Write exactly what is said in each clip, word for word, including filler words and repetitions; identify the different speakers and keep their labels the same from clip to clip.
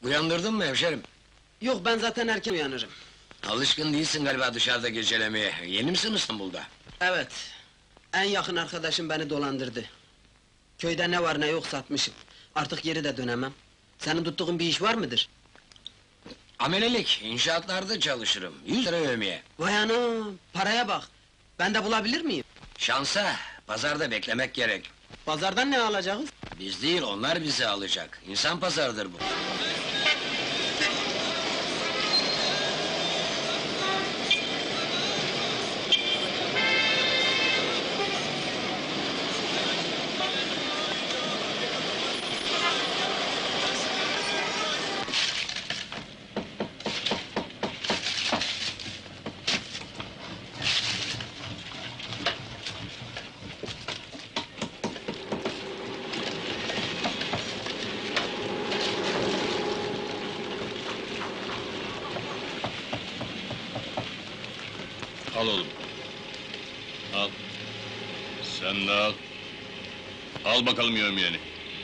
Speaker 1: Uyandırdın mı hemşerim?
Speaker 2: Yok, ben zaten erken uyanırım.
Speaker 1: Alışkın değilsin galiba dışarıda gecelemeye. Yeni misin İstanbul'da?
Speaker 2: Evet, en yakın arkadaşım beni dolandırdı. Köyde ne var ne yok satmışım. Artık geri de dönemem. Senin tuttuğun bir iş var mıdır?
Speaker 1: Amelelik, inşaatlarda çalışırım. Yüz lira yevmiye.
Speaker 2: Vay anam, paraya bak! Ben de bulabilir miyim?
Speaker 1: Şansa, pazarda beklemek gerek.
Speaker 2: Pazardan ne alacağız?
Speaker 1: Biz değil, onlar bizi alacak. İnsan pazarıdır bu.
Speaker 3: Al oğlum. Al. Sen de al. Al bakalım yevmiyeni.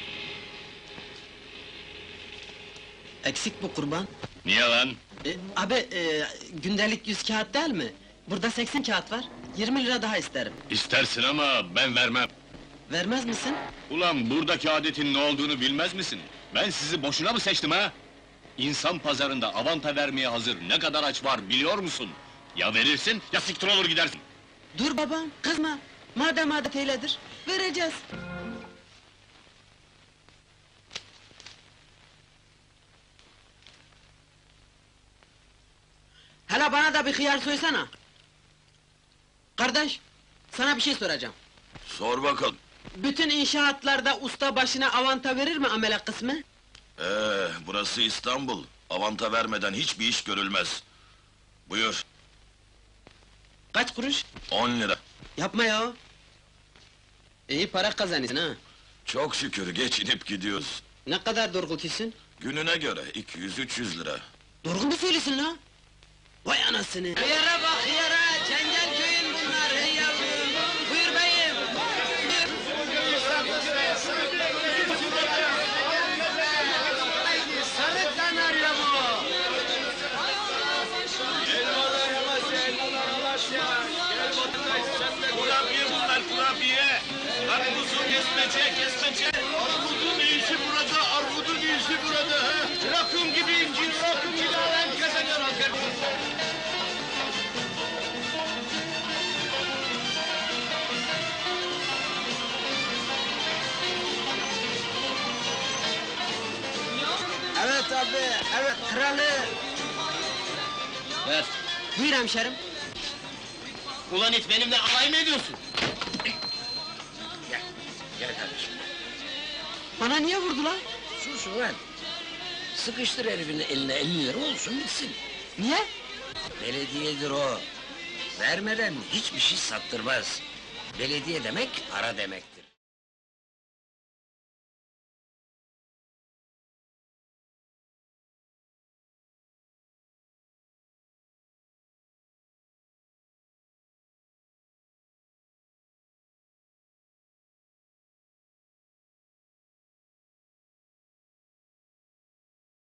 Speaker 2: Eksik bu kurban.
Speaker 3: Niye lan?
Speaker 2: E, abi, e, gündelik yüz kağıt değil mi? Burada seksen kağıt var. Yirmi lira daha isterim.
Speaker 3: İstersin ama ben vermem.
Speaker 2: Vermez misin?
Speaker 3: Ulan buradaki adetin ne olduğunu bilmez misin? Ben sizi boşuna mı seçtim ha? İnsan pazarında avanta vermeye hazır ne kadar aç var biliyor musun? Ya verirsin ya siktir olur gidersin.
Speaker 2: Dur babam, kızma! Madem adet eyledir, vereceğiz! Hele bana da bir hıyar soysana! Kardeş, sana bir şey soracağım.
Speaker 4: Sor bakalım.
Speaker 2: Bütün inşaatlarda usta başına avanta verir mi amele kısmı?
Speaker 4: Ee, burası İstanbul. Avanta vermeden hiçbir iş görülmez. Buyur,
Speaker 2: Kaç kuruş?
Speaker 4: on lira.
Speaker 2: Yapma ya! İyi para kazanırsın ha!
Speaker 4: Çok şükür geçinip gidiyoruz.
Speaker 2: Ne kadar dorgultusun?
Speaker 4: Gününe göre iki yüz üç yüz lira.
Speaker 2: Dorgun mu söylüyorsun la? Vay anasını! Hıyara bak hıyara! Cengel köyün bunlar hey yavrum! Buyur beyim! Sarı kanarya bu!
Speaker 3: Kurabiye bunlar kurabiye! Armutun kesmece kesmece! Armutun iyisi burada, armutun iyisi burada! ha? Rakım gibi incir, rakım gibi alem kazanıyor asker!
Speaker 2: Evet abi, evet kralı!
Speaker 1: Ver.
Speaker 2: Buyur hemşerim!
Speaker 1: Ulan it, benimle alay mı ediyorsun? Gel, gel kardeşim.
Speaker 2: Bana niye vurdu lan?
Speaker 1: Sus ulan! Sıkıştır herifin eline elli lira olsun bitsin.
Speaker 2: Niye?
Speaker 1: Belediyedir o. Vermeden hiçbir şey sattırmaz. Belediye demek para demek.